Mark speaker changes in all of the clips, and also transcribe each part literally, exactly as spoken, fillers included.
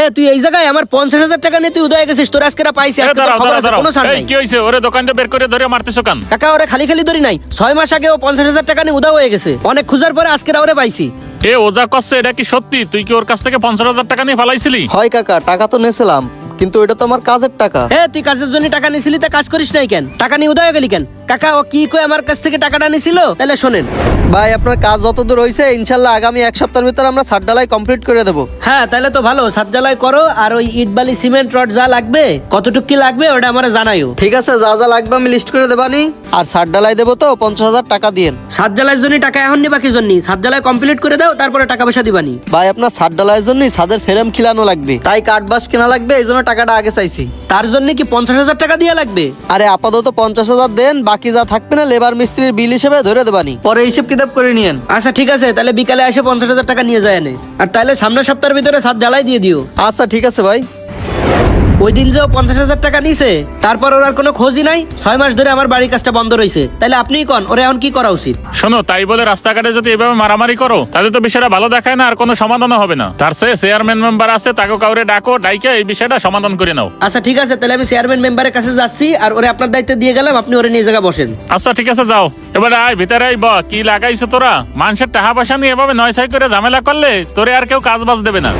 Speaker 1: তুই এই জায়গায় আমার পঞ্চাশ হাজার টাকা নিয়ে তুই উদয় গেছিস, তোর আজকে পাইছি, আজকে তোর খবর আছে, কোনো ছাড় নাই।
Speaker 2: কি হইছে? ওরে দোকানটা বের করে ধরে মারতেছো কেন?
Speaker 1: কাকা ওরে খালি খালি ধরি নাই, ছয় মাস আগে ও পঞ্চাশ হাজার টাকা নিয়ে উদয় হয়ে গেছে, অনেক খোঁজার পরে আজকে ওরে পাইছি।
Speaker 2: এ ওজা করছে, এটা কি সত্যি? তুই কি ওর কাছ থেকে পঞ্চাশ হাজার টাকা নিয়ে ফালাইছিলি?
Speaker 3: হয় কাকা, টাকা তো নেছিলাম, কিন্তু এটা তো আমার কাজের টাকা।
Speaker 1: হ্যাঁ তুই কাজের জন্য টাকা নিছিলি, তা কাজ করিস নাই কেন? টাকা নিয়ে উদয় গেলি কেন? কাকা ও কি কই আমার কাছ থেকে টাকাটা নিছিল? তাহলে শোনেন
Speaker 3: ভাই, আপনার কাজ যতদূর হয়েছে ইনশাল্লাহ আগামী এক সপ্তাহের ভিতরে আমরা ছাদ ঢালাই কমপ্লিট করে দেবো।
Speaker 1: হ্যাঁ তাহলে তো ভালো, ছাদ ঢালাই করো, আর ওই ইট বালি সিমেন্ট রড যা লাগবে, কতটুক কি লাগবে ওটা আমারে জানাইও।
Speaker 3: ঠিক আছে, যা যা লাগবে আমি লিস্ট করে দেবানি। আর ছাদ ঢালাই দেবো তো পঞ্চাশ হাজার টাকা দিয়েন।
Speaker 1: ছাদ ঢালাইয়ের জন্য টাকা এখন নিবা কি জন্য? ছাদ ঢালাই কমপ্লিট করে দাও, তারপরে টাকা পয়সা দিবানি।
Speaker 3: ভাই, আপনার ছাদ ঢালাইয়ের জন্য ছাদের ফ্রেম খিলানো লাগবে, তাই কাঠ বাঁশ কেনা লাগবে, এই জন্য টাকাটা আগে চাইছি।
Speaker 1: তার জন্য কি পঞ্চাশ হাজার টাকা দিয়া লাগবে?
Speaker 3: আরে আপাতত পঞ্চাশ হাজার দেন, বাকি যা থাকবে না লেবার মিস্ত্রির বিল হিসেবে ধরে দেবানি, পরে হিসেব কিতাব করে নিয়েন।
Speaker 1: আচ্ছা ঠিক আছে, তাহলে বিকালে এসে পঞ্চাশ হাজার টাকা নিয়ে যায় নে, আর তাহলে সামনের সপ্তাহের ভিতরে ছাদ ঢালাই দিয়ে দিও।
Speaker 3: আচ্ছা ঠিক আছে ভাই।
Speaker 1: ওই দিন যে পঞ্চাশ হাজার টাকা নিছে, তারপর ওর আর কোনো খোঁজই নাই, ছয় মাস ধরে আমার বাড়ির কাজটা বন্ধ রয়েছে, তাহলে আপনিই কোন ওরে এখন কি করা উচিত?
Speaker 2: শোনো, তাই বলে রাস্তাঘাটে যদি এভাবে মারামারি করো তাহলে তো বিষয়টা ভালো দেখায় না, আর কোনো সমাধান হবে না। তার চেয়ে চেয়ারম্যান মেম্বার আছে, তাকে কাউরে ডাকো, ডাইকে এই বিষয়টা সমাধান করে নাও।
Speaker 1: আচ্ছা ঠিক আছে, তাহলে আমি চেয়ারম্যান মেম্বারের কাছে যাচ্ছি, আর ওরে আপনার দায়িত্বে দিয়ে গেলাম, আপনি ওরে নিয়ে জায়গা বসেন।
Speaker 2: আচ্ছা ঠিক আছে, যাও এবার আয় ভিতরে আই। ব কি লাগাইছো তোরা? মানুষের টাকা পয়সা নিয়ে এভাবে নয় ছয় করে ঝামেলা করলে তোরে আর কেউ কাজ বাজ দেবে না।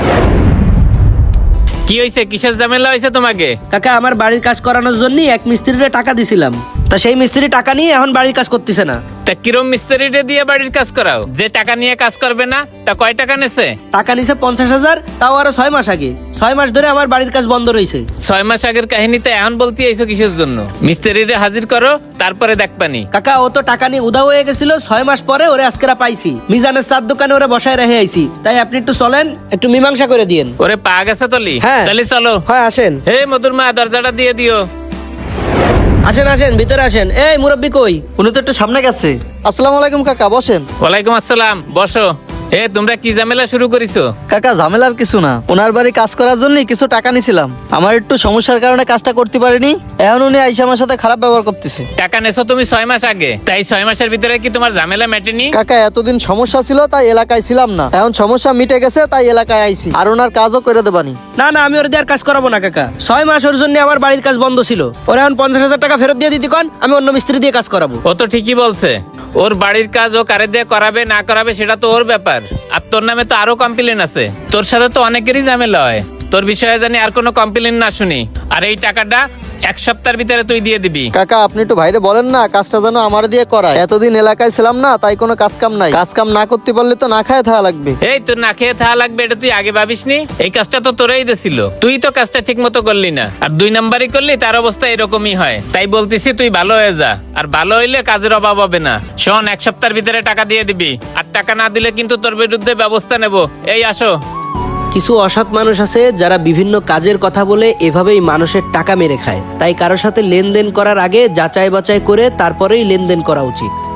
Speaker 4: কি হয়েছে? কিসের ঝামেলা হয়েছে তোমাকে?
Speaker 1: কাকা আমার বাড়ির কাজ করানোর জন্য এক মিস্ত্রিরে টাকা দিছিলাম, তা সেই মিস্ত্রি টাকা নিয়ে এখন বাড়ির কাজ করতেছে না।
Speaker 4: তা কিরম মিস্ত্রিটা দিয়ে বাড়ির কাজ করাও? যে টাকা নিয়ে কাজ করবে না, তা কয় টাকা নেছে?
Speaker 1: টাকা নিছে পঞ্চাশ হাজার, তাও আরো ছয় মাস আগে। ছয় মাস ধরে আমার বাড়ির কাজ বন্ধ রয়েছে।
Speaker 4: ছয় মাস আগের কাহিনীতে এখন বলতে আইছো কিসের জন্য? মিস্ত্রিরে হাজির করো, তারপরে দেখবানি।
Speaker 1: কাকা ও তো টাকা নিয়ে উধাও হয়ে গেছিল, ছয় মাস পরে ওরে আজকেরা পাইছি, মিজানের চার দোকানে ওরে বসায় রেখে আইছি, তাই আপনি একটু চলেন, একটু মীমাংসা করে দিয়েন।
Speaker 4: ওরে পা গেছে তলি?
Speaker 1: হ্যাঁ।
Speaker 4: তাহলে চলো।
Speaker 1: হ্যাঁ আসেন।
Speaker 4: হে মধুর মা, দরজাটা দিয়ে দিও।
Speaker 1: আসেন আসেন, ভিতরে আসেন। এই মুরব্বি কই?
Speaker 3: উনি তো একটু সামনে গেছে। আসসালামু আলাইকুম কাকা, বসেন।
Speaker 4: ওয়ালাইকুম আসসালাম, বসো। এ তোমরা কি ঝামেলা শুরু করেছো?
Speaker 3: কাকা ঝামেলার কিছু না, ওনার বাড়ি কাজ করার জন্য কিছু টাকা নিছিলাম, আমার একটু সমস্যার কারণে কাজটা করতে পারিনি, এখন উনি আইসা আমার সাথে খারাপ ব্যবহার করতেছে।
Speaker 4: টাকা নেছো তুমি ছয় মাস আগে, তাই ছয় মাসের ভিতরে কি তোমার ঝামেলা মেটেনি?
Speaker 3: কাকা এতদিন সমস্যা ছিল তাই এলাকায় ছিলাম না, এখন সমস্যা মিটে গেছে তাই এলাকায় আইছি, আর ওনার কাজও করে দেবানি।
Speaker 1: না না, আমি ওর দিয়ে আর কাজ করাবো না কাকা। ছয় মাস ওর জন্য আমার বাড়ির কাজ বন্ধ ছিল, ওরা এখন পঞ্চাশ হাজার টাকা ফেরত দিয়ে দিতে কন, আমি অন্য মিস্ত্রি দিয়ে কাজ করাবো।
Speaker 4: ও তো ঠিকই বলছে, ওর বাড়ির কাজ ও কারে দিয়ে করাবে না করাবে সেটা তো ওর ব্যাপার, আর তোর নামে তো আরো কমপ্লেন আছে, তোর সাথে তো অনেকেরই ঝামেলা হয়, তোর বিষয়ে জানি আর কোনো কমপ্লেন না শুনি। আর এই টাকাটা এক সপ্তাহের ভিতরে তুই দিয়ে দিবি।
Speaker 3: কাকা আপনি একটু ভাইরে বলেন না, কাজটা যেন আমার দিয়ে করায়, এতদিন এলাকায় ছিলাম না তাই কোনো কাজ কাম নাই, কাজ কাম না করতে পারলে তো না খায় থাকা লাগবে।
Speaker 4: এই তোর না খেয়ে থাকা লাগবে এটা তুই আগে ভাবিসনি? এই কাজটা তো তোরাই দিছিল, তুই তো কাজটা ঠিক মতো করলি না, আর দুই নাম্বারই করলি, তার অবস্থা এরকমই হয়। তাই বলতেছি তুই ভালো হয়ে যা, আর ভালো হইলে কাজের অভাব হবে না। শোন, এক সপ্তাহের ভিতরে টাকা দিয়ে দিবি, আর টাকা না দিলে কিন্তু তোর বিরুদ্ধে ব্যবস্থা নেব। এই আসো।
Speaker 1: কিছু অসৎ মানুষ আছে যারা বিভিন্ন কাজের কথা বলে এভাবেই মানুষের টাকা মেরে খায়, তাই কারোর সাথে লেনদেন করার আগে যাচাই বাছাই করে তারপরেই লেনদেন করা উচিত।